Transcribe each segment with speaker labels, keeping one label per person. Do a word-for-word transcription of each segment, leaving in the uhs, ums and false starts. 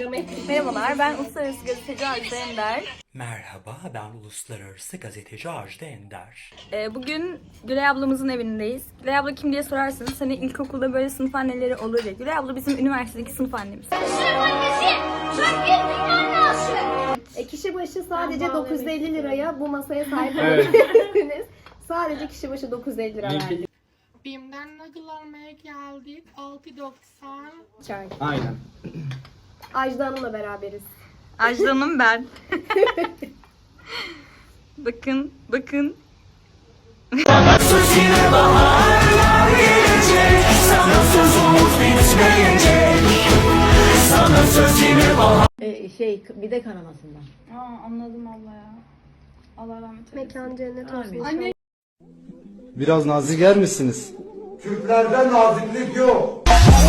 Speaker 1: Merhabalar, ben Uluslararası Gazeteci Ajda Ender.
Speaker 2: Merhaba, ben Uluslararası Gazeteci Ajda Ender.
Speaker 1: Ee, bugün Gülay ablamızın evindeyiz. Gülay abla kim diye sorarsanız hani ilkokulda böyle sınıf anneleri olur ya. Gülay abla bizim üniversitedeki sınıf annemiz.
Speaker 3: E, kişi başı sadece dokuz yüz elli liraya bu masaya sahip olabilirsiniz. Sadece kişi başı dokuz yüz elli lira verdik.
Speaker 4: Bim'den nakıl almaya geldik. altı doksan.
Speaker 3: Çay.
Speaker 5: Aynen.
Speaker 3: Ajda Hanım'la beraberiz.
Speaker 1: Ajda'nın ben. bakın, bakın.
Speaker 6: Ee, şey bir de kanamasından.
Speaker 1: Aa, anladım Allah ya. Allah rahmet eylesin.
Speaker 3: Mekan cennet olsun.
Speaker 1: Anne.
Speaker 7: Biraz nazik yer misiniz?
Speaker 8: Türklerde naziklik yok.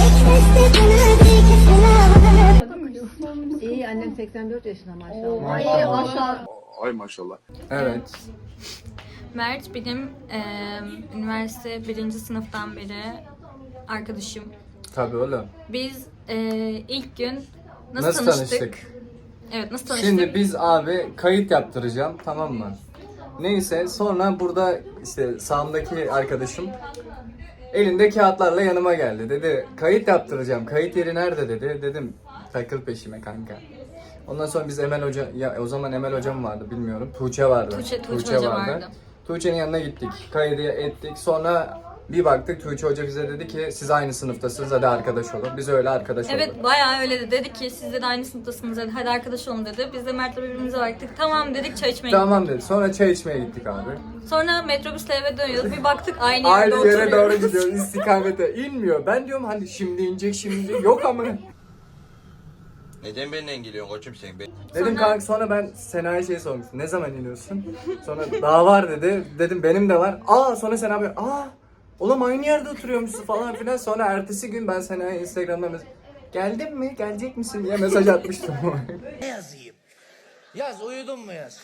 Speaker 6: İyi, annem seksen dört yaşında maşallah.
Speaker 3: Ay maşallah.
Speaker 8: Ay maşallah.
Speaker 5: Evet.
Speaker 1: Mert benim e, üniversite birinci sınıftan beri arkadaşım.
Speaker 5: Tabii oğlum.
Speaker 1: Biz e, ilk gün nasıl,
Speaker 5: Nasıl
Speaker 1: tanıştık?
Speaker 5: tanıştık?
Speaker 1: Evet, nasıl tanıştık?
Speaker 5: Şimdi biz abi kayıt yaptıracağım, tamam mı? Neyse sonra burada işte sağımdaki arkadaşım elinde kağıtlarla yanıma geldi. Dedi kayıt yaptıracağım. Kayıt yeri nerede dedi. Dedim takıl peşime kanka. Ondan sonra biz Emel Hoca, ya o zaman Emel Hocam vardı bilmiyorum. Tuğçe vardı.
Speaker 1: Tuğçe, Tuğçe Hoca vardı.
Speaker 5: Tuğçe'nin yanına gittik. Kaydı ettik. Sonra bir baktık Tuğçe Hoca bize dedi ki siz aynı sınıftasınız, hadi arkadaş olun. Biz öyle arkadaş olduk.
Speaker 1: Evet, bayağı öyle dedi. Dedi ki siz de aynı sınıftasınız, hadi, hadi arkadaş olun dedi. Biz de Mert'le birbirimize baktık. Tamam dedik, çay içmeye
Speaker 5: Tamam dedi. Sonra çay içmeye gittik abi.
Speaker 1: gittik. Sonra metrobüsle eve dönüyoruz. Bir baktık aynı yerde
Speaker 5: Aynı
Speaker 1: oturuyoruz.
Speaker 5: yere doğru gidiyor, istikamete inmiyor. Ben diyorum hani şimdi inecek şimdi yok ama.
Speaker 8: Neden benimle geliyorsun koçum sen? Ben...
Speaker 5: Dedim
Speaker 1: Sonra-
Speaker 5: kanka, sonra ben Sena'ya şey sormuştum. Ne zaman iniyorsun? Sonra daha var dedi. Dedim benim de var. Aa sonra Sena böyle aa oğlum aynı yerde oturuyormuşsun falan filan. Sonra ertesi gün ben Sena'ya Instagram'dan mesaj geldin mi? Gelecek misin diye mesaj atmıştım.
Speaker 9: Ne yazayım? Yaz, uyudun mu yaz?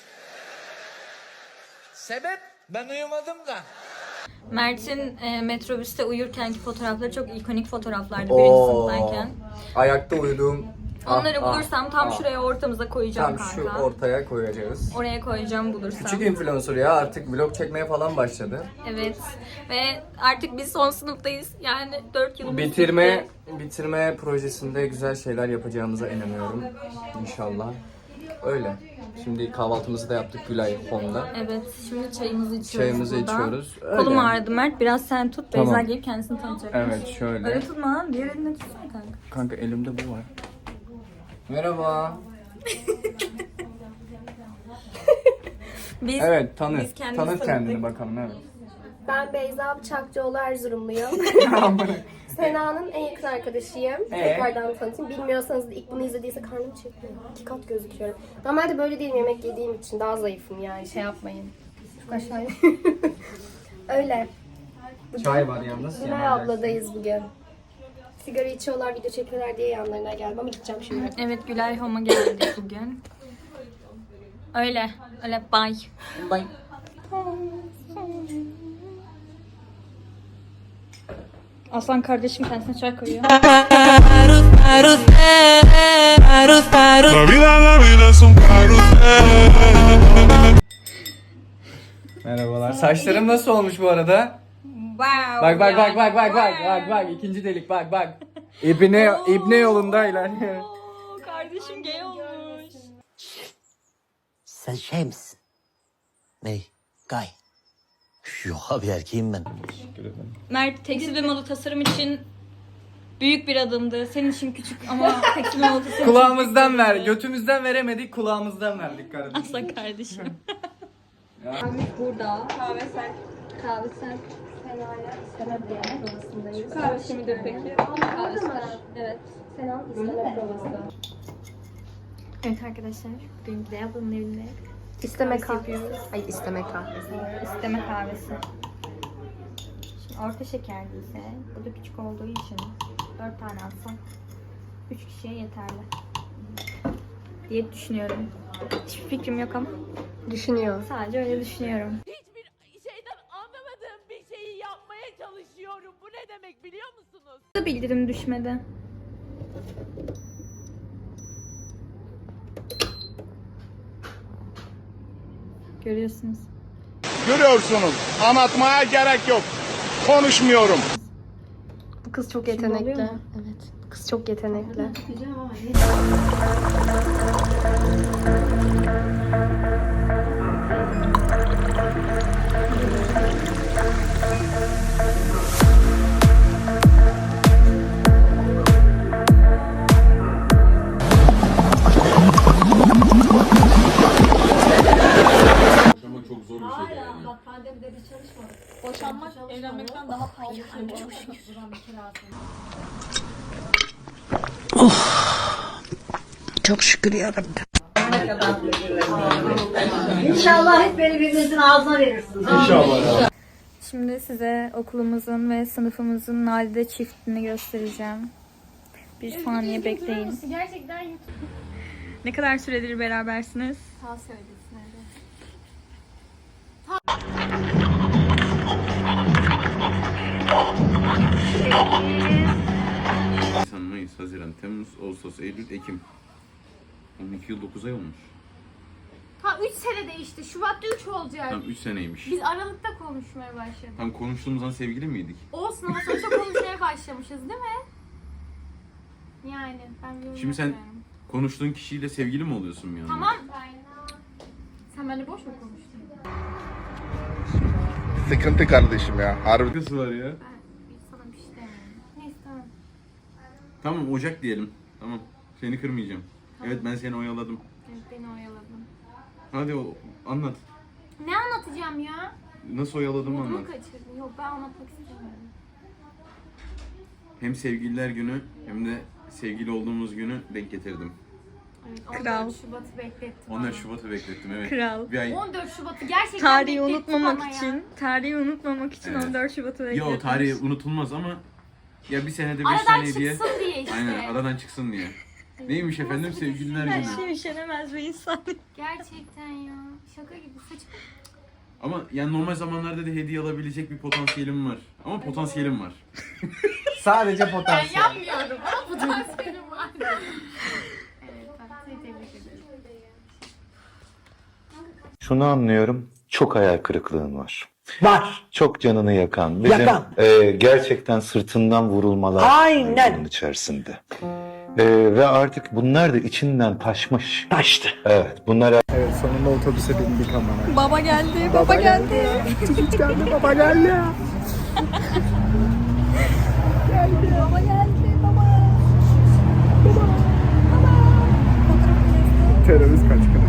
Speaker 9: Sebep? Ben uyumadım da.
Speaker 1: Mert'in e, metrobüste uyurkenki fotoğrafları çok ikonik fotoğraflardı birinci sınıftayken.
Speaker 5: Ayakta uyuduğum.
Speaker 1: Onları
Speaker 5: ah,
Speaker 1: bulursam
Speaker 5: ah,
Speaker 1: tam
Speaker 5: ah.
Speaker 1: şuraya ortamıza koyacağım
Speaker 5: Tam
Speaker 1: kanka.
Speaker 5: şu ortaya koyacağız.
Speaker 1: Oraya koyacağım bulursam.
Speaker 5: Küçük influencer ya, artık vlog çekmeye falan başladı.
Speaker 1: Evet. Ve artık biz son sınıftayız. Yani dört yılımız
Speaker 5: Bitirme
Speaker 1: bitti.
Speaker 5: bitirme projesinde güzel şeyler yapacağımıza inanıyorum. İnşallah. Öyle. Şimdi kahvaltımızı da yaptık Gülay Home'da.
Speaker 1: Evet. Şimdi çayımızı içiyoruz
Speaker 5: Çayımızı
Speaker 1: burada.
Speaker 5: içiyoruz. Öyle.
Speaker 1: Kolum ağrıdı Mert. Biraz sen tut.
Speaker 5: Tamam.
Speaker 1: Beyza gelip kendisini tanıtacak.
Speaker 5: Evet şöyle.
Speaker 1: Öyle tutma lan. Diğer elinde tutsana kanka.
Speaker 5: Kanka elimde bu var. Merhaba.
Speaker 1: Biz,
Speaker 5: Evet tanı.
Speaker 1: biz kendimizi
Speaker 5: Tanıt kendini
Speaker 1: tanıttık.
Speaker 5: bakalım, evet.
Speaker 3: Ben Beyza Bıçakçıoğlu Erzurumluyum. Sena'nın en yakın arkadaşıyım.
Speaker 5: Ee?
Speaker 3: Tekrardan tanıtayım. Bilmiyorsanız da ilk bunu izlediyse karnım çekiyor. İki kat gözüküyorum. Normalde böyle değilim, yemek yediğim için daha zayıfım yani, şey yapmayın. Çok aşağıya. Öyle.
Speaker 5: Çay var yalnız.
Speaker 3: Gülay abladayız bugün. Sigara içiyorlar, video çekiyorlar diye yanlarına geldim ama gideceğim şimdi.
Speaker 1: Evet, Gülay Home'a geldik bugün. Öyle. Öyle bye.
Speaker 5: Bye.
Speaker 1: Aslan kardeşim kendisine çay koyuyor.
Speaker 5: Merhabalar. Saçlarım nasıl olmuş bu arada?
Speaker 1: Wow.
Speaker 5: Bak bak
Speaker 1: ya.
Speaker 5: bak bak bak bak bak bak ikinci delik bak bak. İbne İbne yolunda ilerliyor.
Speaker 1: Oo, kardeşim gay olmuş.
Speaker 9: Sen şey misin? Ney? Gay. Yok abi, erkeğim ben.
Speaker 1: Mert tekstil ve moda tasarım için büyük bir adımdı. Senin için küçük ama tekstil ve moda tasarım için
Speaker 5: Kulağımızdan
Speaker 1: büyük bir
Speaker 5: ver,
Speaker 1: adımdı.
Speaker 5: götümüzden veremedik, kulağımızdan verdik kardeşim.
Speaker 1: Aslan kardeşim.
Speaker 5: Ya.
Speaker 1: Burada. Kahve sen. Kahve sen.
Speaker 3: Sena'ya isteme provasındayız.
Speaker 1: Kahve kimidir peki? Kahve sen. Evet.
Speaker 3: Sena'nın isteme provası.
Speaker 1: Evet arkadaşlar. Bugün Gülay ablanın evinde
Speaker 3: İsteme
Speaker 1: kahvesi
Speaker 3: kahvesi.
Speaker 1: yapıyoruz.
Speaker 3: Ay isteme kahvesi.
Speaker 1: İsteme kahvesi. Şimdi orta şekerliyse, bu da küçük olduğu için dört tane alsam üç kişiye yeterli diye düşünüyorum. Hiçbir fikrim yok ama
Speaker 3: Düşünüyor.
Speaker 1: sadece öyle düşünüyorum.
Speaker 4: Hiçbir şeyden anlamadığım bir şeyi yapmaya çalışıyorum. Bu ne demek biliyor musunuz?
Speaker 1: Da bildirim düşmedi. Görüyorsunuz.
Speaker 8: Görüyorsunuz. Anlatmaya gerek yok. Konuşmuyorum.
Speaker 3: Bu kız çok
Speaker 1: Şimdi
Speaker 3: yetenekli.
Speaker 1: oluyor mu?
Speaker 3: Evet. Bu kız çok yetenekli.
Speaker 4: Boşanmak evlenmekten daha pahalı.
Speaker 6: Çok şükür yarabbim.
Speaker 10: İnşallah hep birbirinizin ağzına verirsiniz.
Speaker 1: Şimdi size okulumuzun ve sınıfımızın nadide çiftini göstereceğim. Bir saniye bekleyin.
Speaker 3: Gerçekten
Speaker 1: Ne kadar süredir berabersiniz?
Speaker 3: sağ söylesin hadi.
Speaker 11: Nisan, Mayıs, Haziran, Temmuz, Ağustos, Eylül, Ekim. on iki yıl dokuz ay olmuş.
Speaker 3: Ha üç sene değişti. Şubat'ta üç olacak.
Speaker 11: Tam üç seneymiş.
Speaker 3: Biz Aralık'ta konuşmaya başladık.
Speaker 11: Tam konuştuğumuz an sevgili miydik?
Speaker 3: Olsun ama sonuçta konuşmaya başlamışız değil mi? Yani ben yorum
Speaker 11: Şimdi sen
Speaker 3: yapmıyorum.
Speaker 11: konuştuğun kişiyle sevgili mi oluyorsun bir anda?
Speaker 3: Tamam. Sen benimle boş mu konuştun?
Speaker 8: Sıkıntı kardeşim ya. Harbi.
Speaker 11: Kız var ya.
Speaker 3: Ben sana bir şey demiyorum. Neyse tamam.
Speaker 11: Tamam Ocak diyelim. Tamam. Seni kırmayacağım. Evet ben seni oyaladım.
Speaker 3: Evet, beni oyaladın.
Speaker 11: Hadi o, anlat.
Speaker 3: Ne anlatacağım ya?
Speaker 11: Nasıl oyaladığımı
Speaker 3: Modumu
Speaker 11: anlat.
Speaker 3: kaçırdın. Yok ben anlatmak istemiyorum.
Speaker 11: Hem sevgililer günü hem de sevgili olduğumuz günü denk getirdim.
Speaker 3: Evet, on dört
Speaker 1: Kral.
Speaker 3: Şubat'ı beklettim.
Speaker 11: on dört
Speaker 3: ama.
Speaker 11: Şubat'ı beklettim evet.
Speaker 1: Kral.
Speaker 11: Bir ay.
Speaker 3: on dört Şubat'ı gerçekten
Speaker 1: Tarihi
Speaker 3: beklettim
Speaker 1: unutmamak
Speaker 3: ama ya.
Speaker 1: için, tarihi unutmamak için
Speaker 11: Evet.
Speaker 1: on dört Şubat'ı bekletmiş.
Speaker 11: Yo tarihi unutulmaz ama ya bir senede beş
Speaker 3: Aradan
Speaker 11: saniye diye.
Speaker 3: çıksın diye işte.
Speaker 11: Aynen aradan çıksın diye. Neymiş efendim sevgililer
Speaker 1: Her
Speaker 11: günü.
Speaker 1: şey üşenemez bir insan.
Speaker 3: Gerçekten ya. Şaka gibi saçma.
Speaker 11: Ama yani normal zamanlarda da hediye alabilecek bir potansiyelim var. Ama potansiyelim var.
Speaker 5: Sadece
Speaker 3: Ben
Speaker 5: potansiyel.
Speaker 3: yapmıyorum ama potansiyelim var. Evet bak seni tebrik ederim.
Speaker 12: Şunu anlıyorum, çok hayal kırıklığın var.
Speaker 6: Var.
Speaker 12: Çok canını yakan, bizim
Speaker 6: Yakan.
Speaker 12: e, gerçekten sırtından vurulmalar
Speaker 6: Aynen.
Speaker 12: bunun içerisinde. E, ve artık bunlar da içinden taşmış.
Speaker 6: Taştı.
Speaker 12: Evet, bunlar
Speaker 5: Evet sonunda otobüse bindik amına.
Speaker 1: Baba geldi, baba, geldi.
Speaker 5: Hiç geldi baba geldi.
Speaker 1: Baba geldi, baba.
Speaker 5: Terörist kaçkını.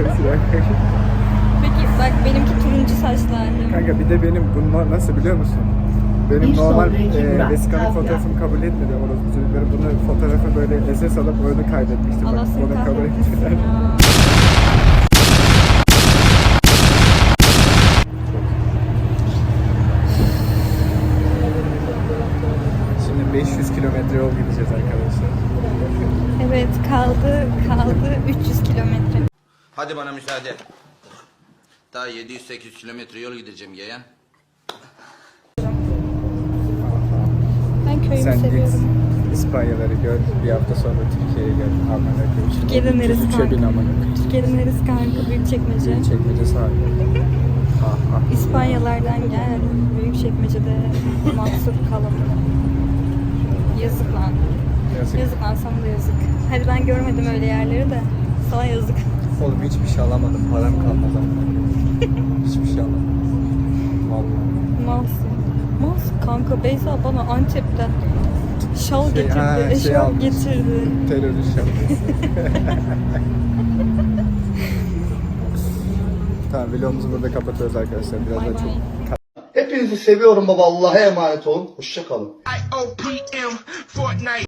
Speaker 1: Peki bak benimki turuncu saçlarlı.
Speaker 5: Kanka bir de benim bunlar nasıl biliyor musun? Benim
Speaker 10: Bir
Speaker 5: normal
Speaker 10: sonraki
Speaker 5: e,
Speaker 10: durak,
Speaker 5: vesikalık
Speaker 10: Kavga.
Speaker 5: fotoğrafımı kabul etmedi orası çocukları. Bunu fotoğrafı böyle S S alıp onu kaydetmiştim.
Speaker 1: Allah
Speaker 5: Bak,
Speaker 1: seni
Speaker 5: bunu kabul
Speaker 1: kahretmesin
Speaker 5: ettiler.
Speaker 1: ya.
Speaker 5: Şimdi beş yüz kilometre yol gideceğiz arkadaşlar.
Speaker 1: Evet kaldı, kaldı üç yüz kilometre.
Speaker 9: Hadi bana müsaade. Daha yedi yüz sekiz yüz kilometre yol gideceğim yeğen.
Speaker 1: Ben köyümü
Speaker 5: Sen git
Speaker 1: seviyorum.
Speaker 5: İspanyaları gör. Bir hafta sonra Türkiye'ye gel. Amına koyayım.
Speaker 1: Türkiye'de neresi
Speaker 5: Üçe
Speaker 1: kanka?
Speaker 5: bin amına koyayım.
Speaker 1: Türkiye'de neresi kanka? Büyükçekmece.
Speaker 5: Çekmece sahibi. Ah ah.
Speaker 1: İspanyalardan gel. Büyükçekmece'de mahsur kalın. Yazık lan.
Speaker 5: Yazık.
Speaker 1: Yazık lan sana da yazık. Hadi ben görmedim öyle yerleri de. Sana yazık.
Speaker 5: Oğlum hiçbir şey alamadım. Param kalmadı. Hiçbir şey alamadım. Vallahi.
Speaker 1: Malsın. Malsın kanka. Beyza bana Antep'ten şal
Speaker 5: Şey,
Speaker 1: getirdi.
Speaker 5: ha, şey
Speaker 1: eşarp
Speaker 5: almış.
Speaker 1: getirdi.
Speaker 5: Terörist şapkası. Tamam vlogumuzu burada kapatıyoruz arkadaşlar. Biraz
Speaker 1: Bay
Speaker 5: da çok
Speaker 1: bay.
Speaker 7: Hepinizi seviyorum baba. Allah'a emanet olun. Hoşça kalın.